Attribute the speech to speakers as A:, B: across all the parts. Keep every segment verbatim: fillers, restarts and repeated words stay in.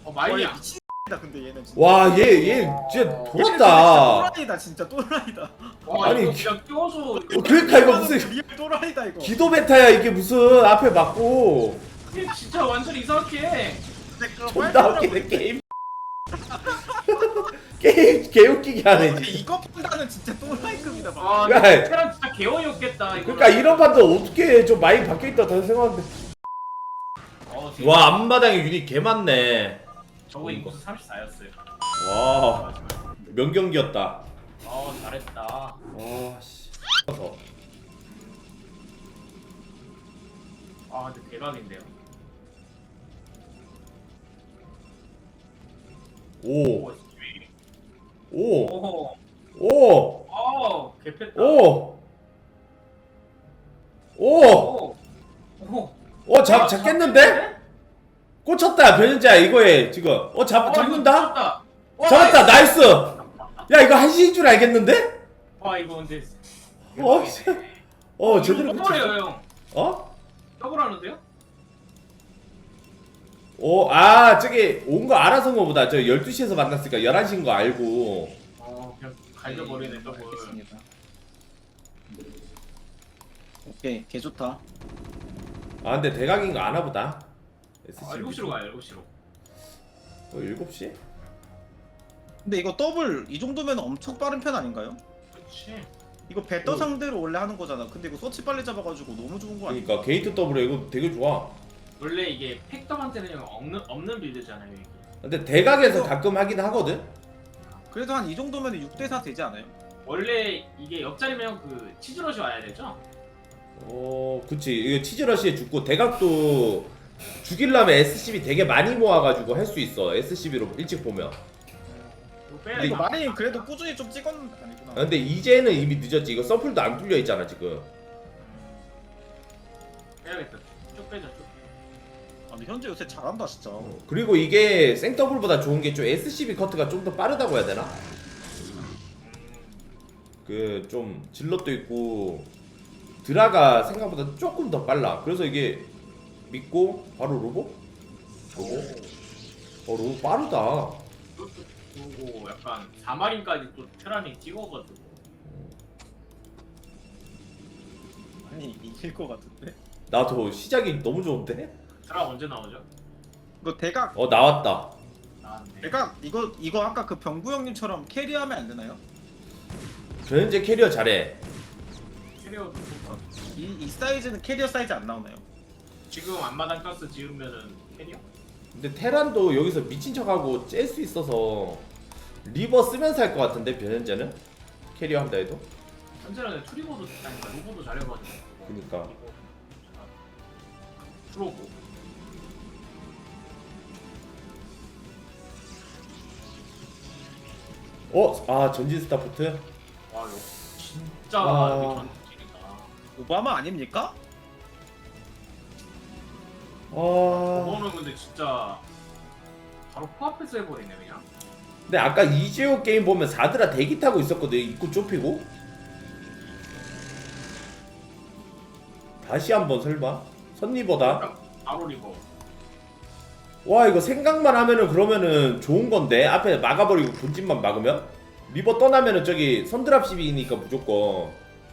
A: 어
B: 와, 얘
A: 마이야.
B: 미친다 근데 얘는 진짜.
C: 와, 얘, 얘 진짜
B: 얘는
C: 돌았다.
B: 또라이다 진짜 또라이다.
A: 와
C: 아니,
A: 이거 그냥 껴서.
C: 어, 그러니까 이거 무슨
B: 리얼 또라이다 이거.
C: 기도 메타야 이게 무슨 앞에 맞고
A: 이게 진짜 완전 이상하게 해.
C: 존나 웃기네 게임. 게임 개웃기게 하네
B: 근데
C: 진짜.
B: 이거 판단은 진짜 또라이급이다. 막.
A: 아
C: 야,
A: 근데 테란 진짜 개어이없겠다 이거.
C: 그러니까 이런 판도 어떻게 좀 많이 바뀌어있다 다시 생각하는데.
A: 어, 지금
C: 와, 앞마당에 유닛 개 많네.
A: 저거 인구수 삼십사였어요.
C: 와, 명경기였다.
A: 어 잘했다.
C: 와, 씨.
A: 아 근데 대박인데요.
C: 오,
A: 오,
C: 오,
A: 오,
C: 오,
A: 어, 개패다.
C: 오, 오,
A: 오, 오.
C: 어, 잡, 잡겠는데? 꽂혔다, 변현자, 이거에, 지금. 어, 잡,
A: 어,
C: 잡는다?
A: 이거 와,
C: 잡았다, 나이스! 야, 이거 한시인 줄 알겠는데?
A: 와 이거 근데.
C: 어, 씨. 어, 제대로
A: 더블이에요
C: 꽂혔어.
A: 형.
C: 어?
A: 더블하는데요?
C: 오, 아, 저기, 온 거 알아서 온 거보다, 저 열두 시에서 만났으니까 열한 시인 거 알고.
A: 어 그냥 갈겨버리네 더블.
B: 알겠습니다. 오케이 개 좋다.
C: 아, 근데 대각인 거 아나 보다.
A: 아 일곱 시로 가요 일곱 시로.
C: 어, 일곱 시?
B: 근데 이거 더블 이 정도면 엄청 빠른 편 아닌가요?
A: 그렇지.
B: 이거 배떠
C: 어.
B: 상대로 원래 하는 거잖아. 근데 이거 서치 빨리 잡아가지고 너무 좋은 거 아니야?
C: 그러니까, 게이트 더블에 이거 되게 좋아.
A: 원래 이게 팩더한테는 없는 없는 빌드잖아요 이게.
C: 근데 대각에서 가끔 하긴 하거든?
B: 그래도 한 이 정도면 육 대 사 되지 않아요?
A: 원래 이게 옆자리면 그 치즈러시 와야 되죠?
C: 어, 그치. 이거 치즈러시에 죽고, 대각도 죽이려면 에스씨비 되게 많이 모아가지고 할 수 있어. 에스씨비로 일찍 보면.
A: 이거 빼야
C: 근데
B: 이거
A: 이거
B: 많이 그래도 꾸준히 좀 찍었는데 아니구나.
C: 아, 근데 이제는 이미 늦었지. 이거 서플도 안 뚫려 있잖아, 지금.
A: 빼야겠다. 쭉 빼자 쭉.
B: 아니 현재 요새 잘한다 진짜.
C: 어, 그리고 이게 생더블보다 좋은 게 좀 에스씨비 커트가 좀 더 빠르다고 해야 되나? 그 좀 질럿도 있고 드라가 생각보다 조금 더 빨라. 그래서 이게 믿고 바로 로보? 로보? 어, 로보 빠르다.
A: 그리고 약간 사 마린까지 또 테란이 찍어가지고.
B: 아니 이길 것 같은데?
C: 나도 시작이 너무 좋은데?
A: 테란 언제 나오죠?
B: 이거 대각
C: 어, 나왔다.
A: 나왔네.
B: 대각 이거 이거 아까 그 병구 형님처럼 캐리하면 안 되나요?
C: 변현재 캐리어 잘해.
A: 캐리어도 좋다.
B: 이, 이 사이즈는 캐리어 사이즈 안 나오나요?
A: 지금 앞마당 가스 지으면은 캐리어?
C: 근데 테란도 여기서 미친 척하고 짤 수 있어서 리버 쓰면서 할 것 같은데, 변현재는? 캐리어 한다 해도?
A: 현재는 트리버도 아니까 로보도 잘해가지고.
C: 그니까.
A: 프로고.
C: 어? 아, 전진 스타포트?
A: 와 이거 진짜
C: 아.
A: 이게 전투질이다.
B: 오바마 아닙니까?
C: 아.
A: 저거는 근데 진짜 바로 코앞에서 해버리네 그냥.
C: 근데 아까 이재호 게임 보면 사드라 대기 타고 있었거든. 입구 좁히고. 다시 한번 설마? 선리버다?
A: 바로 리버.
C: 와, 이거 생각만 하면은 그러면은 좋은 건데. 앞에 막아버리고 본진만 막으면? 리버 떠나면은 저기 선드랍 시비니까 무조건.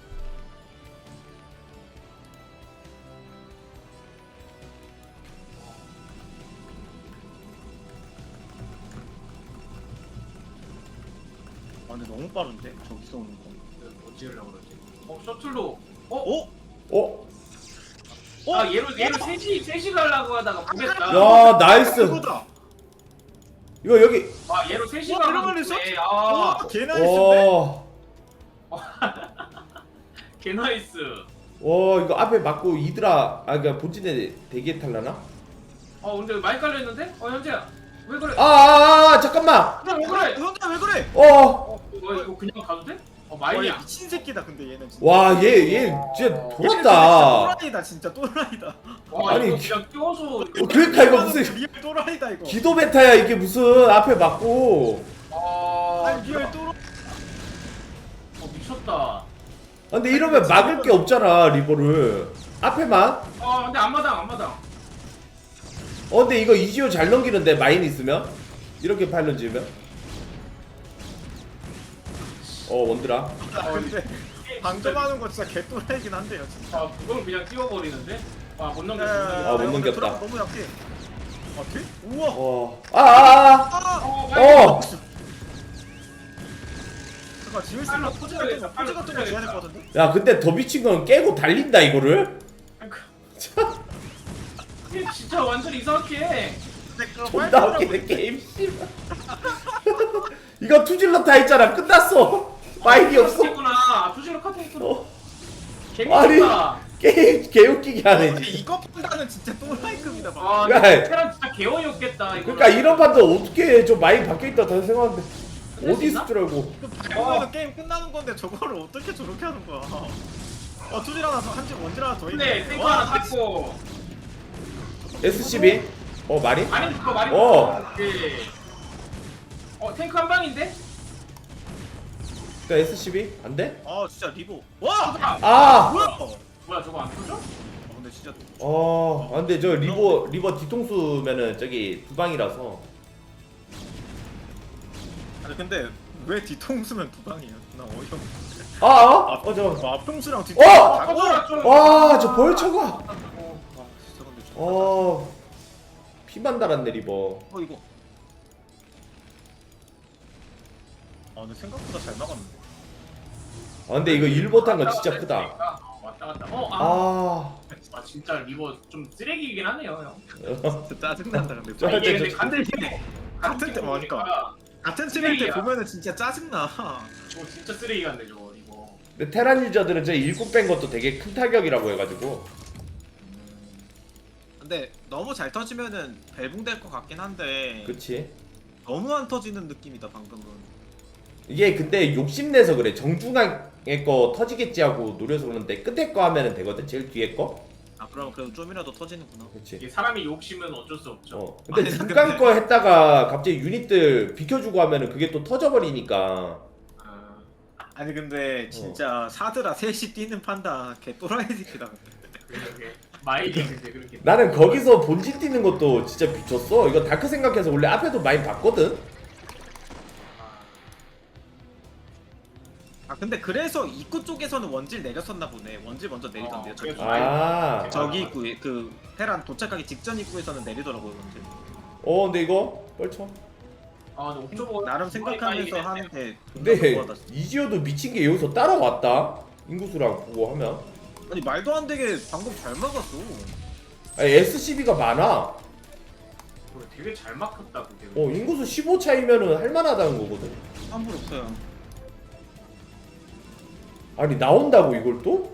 B: 아 근데 너무 빠른데 저기서 오는 거.
A: 뭐 지으려고 그러지? 어 셔틀로. 어?
B: 어?
C: 어?
A: 아 얘로 얘로 셋이 셋이 가려고 하다가 보겠다.
C: 야, 나이스.
B: 이거다.
C: 이거 여기.
A: 아 얘로 셋이
B: 와,
A: 가려고
B: 들어가는
A: 했네.
B: 와
A: 아
B: 개나이스인데?
C: 와.
A: 개나이스.
C: 와, 이거 앞에 막고 이드라. 아, 그니까 본진에 대기에 탈라나?
A: 어 근데 많이 깔려 있는데? 어 현재야 왜 그래?
C: 아, 아, 아, 잠깐만.
A: 그래 왜 그래?
B: 형님 왜 그래?
C: 어.
A: 어 이거 이거 그냥 가도 돼? 어
B: 와, 얘
A: 마이야.
B: 미친 새끼다 근데 얘는 진짜.
C: 와, 얘, 얘 진짜
B: 얘는
C: 돌았다.
B: 또라이다 진짜 또라이다.
A: 와
C: 아니,
A: 이거 그냥 껴서.
C: 어, 그러니까 이거 무슨
B: 리얼 또라이다 이거.
C: 기도 메타야 이게 무슨 앞에 맞고.
A: 아
B: 아니 리얼 또라.
A: 어 미쳤다.
C: 아, 근데 이러면 막을 게 없잖아, 리버를. 앞에만.
A: 아 근데 앞마당 앞마당.
C: 어 근데 이거 이지오 잘 넘기는데 마인 있으면 이렇게 파일런 지으면 어 원드라
B: 아 근데 방점하는 거 진짜 개또라이긴 한데요 진짜.
A: 아 그걸 그냥 띄워버리는데. 아못
B: 네,
A: 넘겼어.
C: 아, 못 넘겼다.
B: 드라마 너무 약해. 어떻게? 우와.
C: 어 아아아
B: 아.
A: 어.
C: 어!
B: 잠깐 지을 수
A: 빨라,
B: 있는 포즈
A: 터져야겠다,
B: 같은 거 포즈
A: 빨라,
B: 같은 거 지어야 될 것
A: 터져야겠다.
B: 같은데?
C: 야 근데 더 미친 건 깨고 달린다 이거를?
A: 이게 진짜 완전 이상하게.
B: 근데 그거
C: 존나 웃기네 게임 씨발 이거 투질러 다 있잖아 끝났어 마인이 없어
A: 했구나. 투지로 카트 했구나.
C: 어.
A: 개미쳤다.
C: 게임 개웃기게 하네
B: 근데
C: 진짜
B: 이거 판단은 진짜 또라이급이다 봐.
A: 아,
C: 야,
A: 근데 테란 진짜 개어이없겠다. 이거.
C: 그러니까 이런 판도 어떻게 좀 많이 바뀌어있다 다시 생각하는데 어디 있을 줄 알고
B: 밟으면 게임 끝나는 건데 저거를 어떻게 저렇게 하는 거야? 어 투질 하나 더 한지 원질 하나 더
A: 근데
B: 있네.
A: 탱크
B: 와,
A: 하나 탔고.
C: 에스씨비? 어 말이?
A: 아니 그거 말이.
C: 어.
A: 네. 어 탱크 한 방인데?
C: 그니까 에스씨비? 안 돼?
B: 아 진짜 리보. 와.
C: 아!
B: 뭐야? 어
A: 뭐야 저거 안 터져?
B: 근데 진짜
C: 어, 아, 근데 저 리버 리버 뒤통수면은 저기 두 방이라서
B: 아니 근데 왜 뒤통수면 두 방이야? 나 어이없네.
C: 아, 아, 어, 저,
B: 아, 앞통수랑 뒤통수
C: 어!
B: 다
A: 터져라 좀.
C: 와, 저 벌쳐가.
B: 아 진짜 근데 저
C: 어, 피만 달았네 리버.
B: 어 이거 아 근데 생각보다 잘 막았는데.
C: 아, 근데 이거 일 못한 건 진짜 크다.
A: 어, 왔다 갔다. 어, 아.
C: 아,
A: 아 진짜 리버 좀 쓰레기이긴 하네요, 형.
B: 진짜 짜증난다 근데.
C: 저-
A: 아, 이게 근데
C: 저-
A: 간들 팀
B: 같은 팀 뭐니까. 같은 팀일 때
A: 쓰레기야.
B: 보면은 진짜 짜증나.
A: 저거 진짜 쓰레기 같네 저거 리버.
C: 근데 테란 유저들은 저 일곱 뺀 것도 되게 큰 타격이라고 해가지고.
B: 근데 너무 잘 터지면은 벨붕될 것 같긴 한데
C: 그치?
B: 너무 안 터지는 느낌이다 방금은.
C: 이게 근데 욕심내서 그래. 정중앙에 거 터지겠지 하고 노려서 그러는데 끝에 거 하면은 되거든. 제일 뒤에 거.
B: 아 그럼 그래도 좀이라도 터지는구나.
C: 그치?
A: 이게 사람이 욕심은 어쩔 수 없죠.
C: 어. 근데
B: 아니,
C: 중간
B: 근데-
C: 거 했다가 갑자기 유닛들 비켜주고 하면은 그게 또 터져버리니까.
A: 아,
B: 아니 근데 진짜 사드라 셋이 뛰는 판다 개 또라이 새끼다.
A: 그렇게 마일이 근데 그렇게.
C: 나는 거기서 본진 뛰는 것도 진짜 미쳤어. 이거 다크 생각해서 원래 앞에도 많이 봤거든.
B: 아 근데 그래서 입구 쪽에서는 원질 내렸었나 보네. 원질 먼저 내리던데요.
A: 어,
B: 저기
A: 그래서
C: 아,
B: 저기 입구에 그 테란 도착하기 직전 입구에서는 내리더라고요 원질.
C: 어 근데 이거 뻘쳐.
A: 아, 근데 옥저버
B: 나름 생각하면서 하는데
C: 근데
B: 존나 너무하다.
C: 이지오도 미친 게 여기서 따라왔다. 인구수랑 보고 하면.
B: 아니 말도 안 되게 방금 잘 막았어.
C: 아니, 에스씨비가 많아.
A: 그래, 되게 잘 막혔다 그게.
C: 어 인구수 십오 차이면은 할만하다는 거거든.
B: 환불 없어요.
C: 아니 나온다고 이걸 또?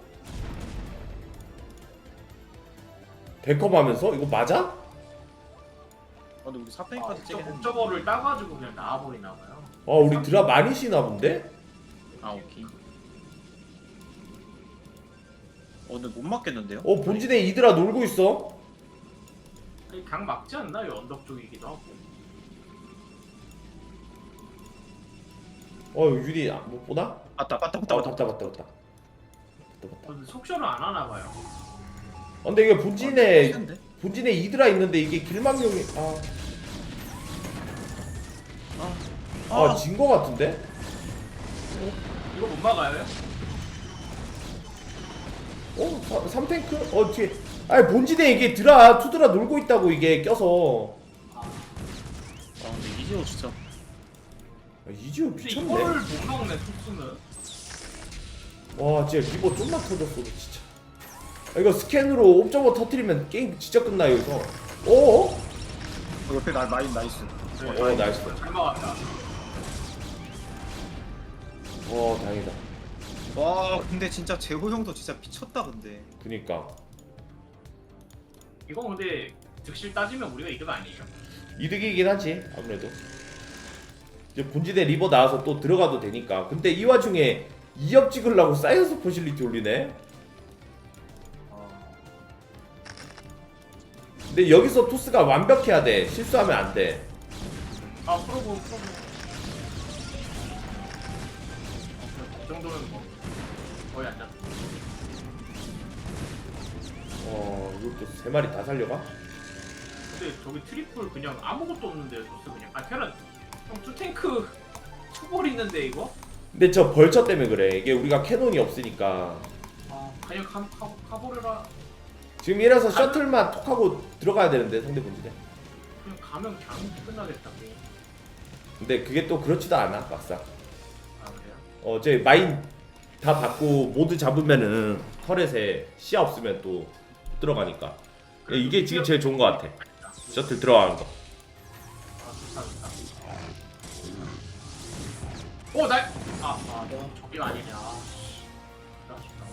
C: 백업하면서 이거 맞아?
B: 아, 근데 우리
A: 아,
B: 사팽이까지
A: 옥저-
B: 찌긴 했는데.
A: 옥저버를 따가지고 그냥 나와버리나 봐요.
C: 아 우리 드라 많이 쉬나 본데?
B: 아 오케이. 어 근데 못 맞겠는데요?
C: 어 본진에 이드라 놀고 있어.
A: 아니, 강 막지 않나? 요 언덕 쪽이기도 하고.
C: 어 유리 아, 못 보나?
B: 맞다 맞다 맞다
C: 어
B: 맞다.
C: 봤다 봤다 봤다. 봤다 봤다.
A: 근데 속셔를 안 하나 봐요.
C: 어, 근데 이게 본진에
B: 데
C: 본진에 이드라 있는데 이게 길망용이 아,
B: 아,
C: 아 진 거 같은데?
A: 이거 못 막아요?
C: 어? 삼 탱크? 어 뒤에 아니 본진에 이게 드라 투드라 놀고 있다고 이게 껴서
B: 아 근데 이지호 진짜.
C: 아, 이지오
A: 근데
C: 미쳤네.
A: 이걸 못 막네 토스는.
C: 와 진짜 리버 좀만 터졌어 진짜. 아, 이거 스캔으로 옵저버 터트리면 게임 진짜 끝나 여기서. 어?
B: 어, 옆에 나 라인 나이스.
A: 네,
C: 어 나이스.
A: 잘 막았다.
C: 어 다행이다.
B: 와 근데 진짜 재호 형도 진짜 미쳤다 근데.
C: 그니까
A: 이거 근데 즉실 따지면 우리가 이득 아니에요?
C: 이득이긴 하지 아무래도. 이제 본진에 리버 나와서 또 들어가도 되니까. 근데 이 와중에 이 업 찍으려고 사이언스 포실리티 올리네. 근데 여기서 토스가 완벽해야 돼. 실수하면 안 돼.
A: 아 프로브 프로브. 어, 그 정도면 뭐 거의 안 잡.
C: 어 이것도 세 마리 다 살려가?
A: 근데 근데 저기 트리플 그냥 아무것도 없는데 줬어 그냥. 아 캐럿 형 투탱크 투볼 있는데 이거?
C: 근데 저 벌처 때문에 그래. 이게 우리가 캐논이 없으니까.
A: 아 그냥 가, 가, 가버려라.
C: 지금 이래서 셔틀만 톡 하고 들어가야 되는데 상대 본진에.
A: 그냥 가면 그냥 끝나겠다 게임.
C: 근데 그게 또 그렇지도 않아 막상.
A: 아 그래요?
C: 어제 마인 다 받고 모두 잡으면은 터렛에 시야 없으면 또 들어가니까. 이게 지금 제일 좋은 거 같아. 셔틀 들어가는 거.
A: 아 좋다 좋다. 오 날. 아아 너 저기가 아니냐. 아, 좋다.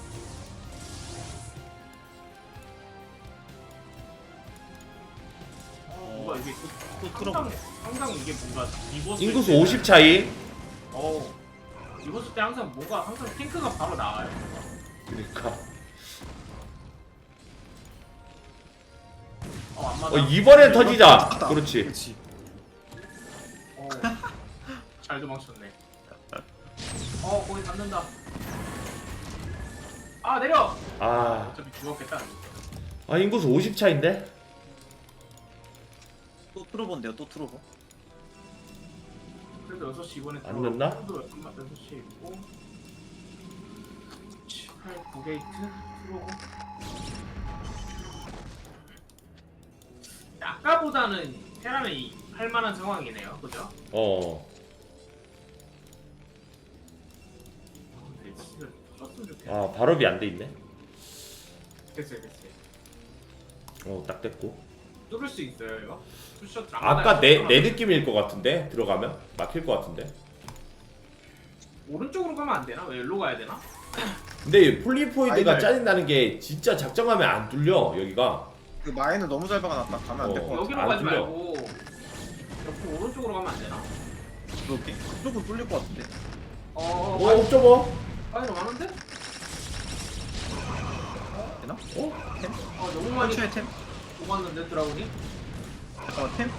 A: 뭔가 이게 또,
B: 또
A: 항상
B: 들어보네.
A: 항상 이게 뭔가 리버스
C: 인구수 오십 차이.
A: 어 리버스 때 항상 뭔가 항상 탱크가 바로 나와요.
C: 그러니까.
A: 어 안 맞아.
C: 어 이번엔 터지자.
B: 맞다.
C: 그렇지.
B: 그렇지.
A: 어, 잘 도망쳤네. 어 거기 잡는다. 아 내려.
C: 아,
A: 어차피 죽었겠다.
C: 아 인구수 오십 차인데?
B: 또 트로본데요. 또 트로본.
A: 그래도 여섯 시 이번에
C: 안 넣나?
A: 여섯 시 있고 팔, 구 게이트 들어오고. 아까보다는 테란이 할만한 상황이네요, 그죠?
C: 어.
A: 아, 근데 진짜 터졌으면 좋겠다.
C: 아 발업이 안 돼 있네.
A: 됐어요, 됐어요.
C: 어 딱 됐고.
A: 뚫을 수 있어요, 이거? 투샷
C: 아까 내 내 느낌일 것 같은데 들어가면 막힐 것 같은데.
A: 오른쪽으로 가면 안 되나? 왜 일로 가야 되나?
C: 근데 폴리포이드가
B: 아이들.
C: 짜증나는 게 진짜 작정하면 안 뚫려 여기가.
B: 그 마인을 너무 잘 박아놨다. 가면 안 될
C: 어.
B: 것 같아.
A: 여기로
C: 안
A: 가지
C: 뚫려.
A: 말고 옆으로 오른쪽으로 가면 안 되나?
B: 그렇게. 그쪽은 뚫릴 것 같은데.
A: 어,
C: 오 옵저버.
A: 많이 많은데?
B: 되나?
C: 어?
B: 템?
A: 어, 너무 많이
B: 최의 템?
A: 녹았는데 드라군이?
B: 잠깐만 템?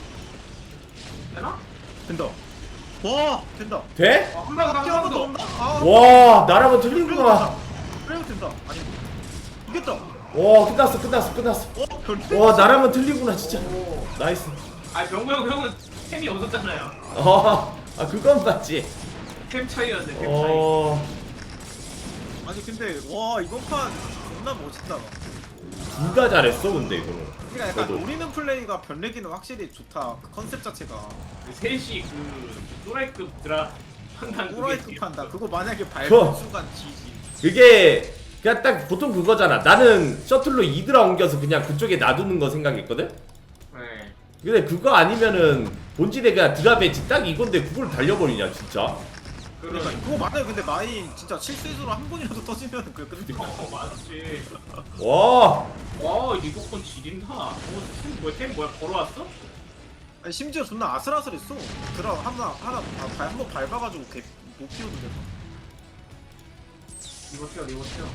A: 되나?
B: 된다. 와 된다.
C: 돼?
A: 어, 한방 더,
B: 뛰어서
A: 한방 더.
B: 온다. 아.
C: 와 나라면 틀리구나.
B: 그래도 된다. 아니 이겼다.
C: 와 끝났어 끝났어 끝났어.
B: 어 별로.
C: 와 나라면 틀리구나 진짜.
A: 오.
C: 나이스.
A: 아, 병구 형 형은 템이 없었잖아요.
C: 어, 아 그건 맞지.
A: 템 차이였네, 템 차이.
C: 어,
B: 아니 근데 와 이번 판 존나 멋있다.
C: 둘 다 잘했어 근데 이거는.
B: 그러니까 약간
C: 그래도.
B: 노리는 플레이가 변내기는 확실히 좋다. 그 컨셉 자체가.
A: 그 셋이 그 또라이급 드라 판단
B: 또라이급 판다. 그거 만약에
C: 그거.
B: 밟은 순간 지지.
C: 그게 그냥 딱 보통 그거잖아. 나는 셔틀로 이드라 옮겨서 그냥 그쪽에 놔두는 거 생각했거든.
A: 네.
C: 근데 그거 아니면은 본진에 그냥 드라 배치 딱 이건데 그걸 달려버리냐 진짜.
B: 그러니까
A: 그러니까
B: 그거 만약에 근데 마인 진짜 실수로 한 번이라도 터지면 그 끝나.
A: 어, 맞지.
C: 와,
A: 와, 리버컨 지린다. 어, 템 뭐야? 템 뭐야? 걸어왔어?
B: 아니 심지어 존나 아슬아슬했어. 드라 하나 하나 한 번 밟아가지고 개 못 피우는데.
A: 리버 튀어, 리버 튀어.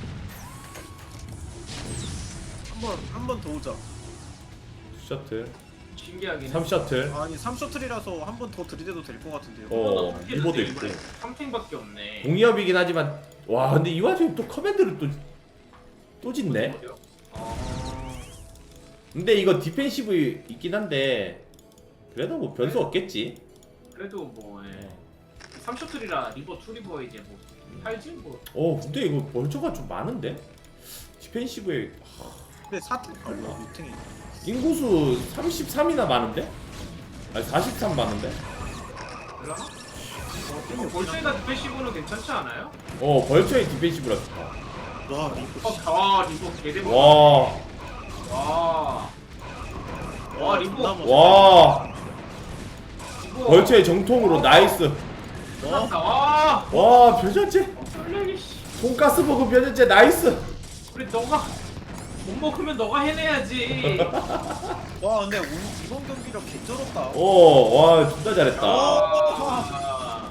B: 한번 한 번 더 오자.
C: 셔틀,
A: 신기하긴 해.
C: 삼 셔틀.
B: 아니 삼 셔틀이라서 한 번 더 들이대도 될 것 같은데요.
C: 어, 리버도 있고.
A: 삼 탱밖에 없네.
C: 공이업이긴 하지만 와 근데 이 와중에 또 커맨드를 또 또 짓네.
A: 어...
C: 근데 이거 디펜시브 있긴 한데 그래도 뭐 변수 없겠지.
A: 그래도 뭐 예. 삼 셔틀이라 리버 투 리버 이제 뭐 팔지 뭐.
C: 어 근데 이거 벌처가 좀 많은데 디펜시브에
B: 근데 사탱 얼마 육 탱이.
C: 인구수 삼십삼이나 많은데? 아니 사십삼 많은데?
A: 그러나? 어, 볼트에다 디펜시브는 괜찮지 않아요?
C: 어 벌처의 디펜시브라 좋다.
B: 와 이거.
A: 어, 와 리버 개대박.
C: 와,
A: 와. 와 리버.
C: 와,
A: 리버.
C: 벌처의 정통으로 나이스.
A: 끝났다. 와.
C: 와 변현재
A: 어, 설레기 씨.
C: 돈가스 버거 변현재 나이스.
A: 우리 너가 못 먹으면 너가 해내야지.
B: 와 근데 오늘 이번 경기가 개쩔었다.
C: 오와 진짜 잘했다.
A: 아.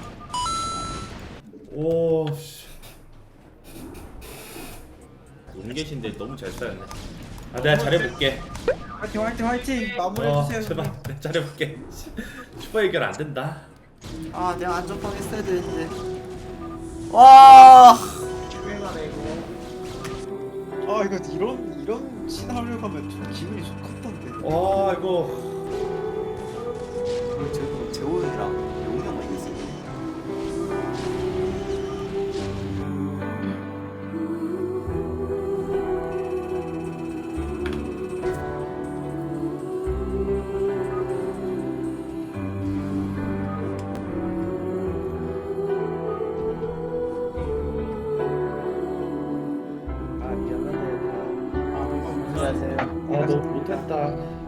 C: 오 씨. 온 계신데 너무 잘 싸였네. 아 내가 잘해볼게.
B: 화이팅 화이팅 화이팅 마무리해
C: 어
B: 주세요.
C: 제발 내가 잘해볼게. 슈퍼 해결 안 된다.
D: 아 내가 안전빵 했어야 되는데 와
A: 유행하네 이거.
B: 아 이거 이런 이런 신하려고 하면 좀 기분이 좋겠던데.
C: 와 이거
D: 어, 저 재호이랑 용영만 있었네.
E: 아 미안하네. 아, 안녕하세요.
C: 아 너무 못했다.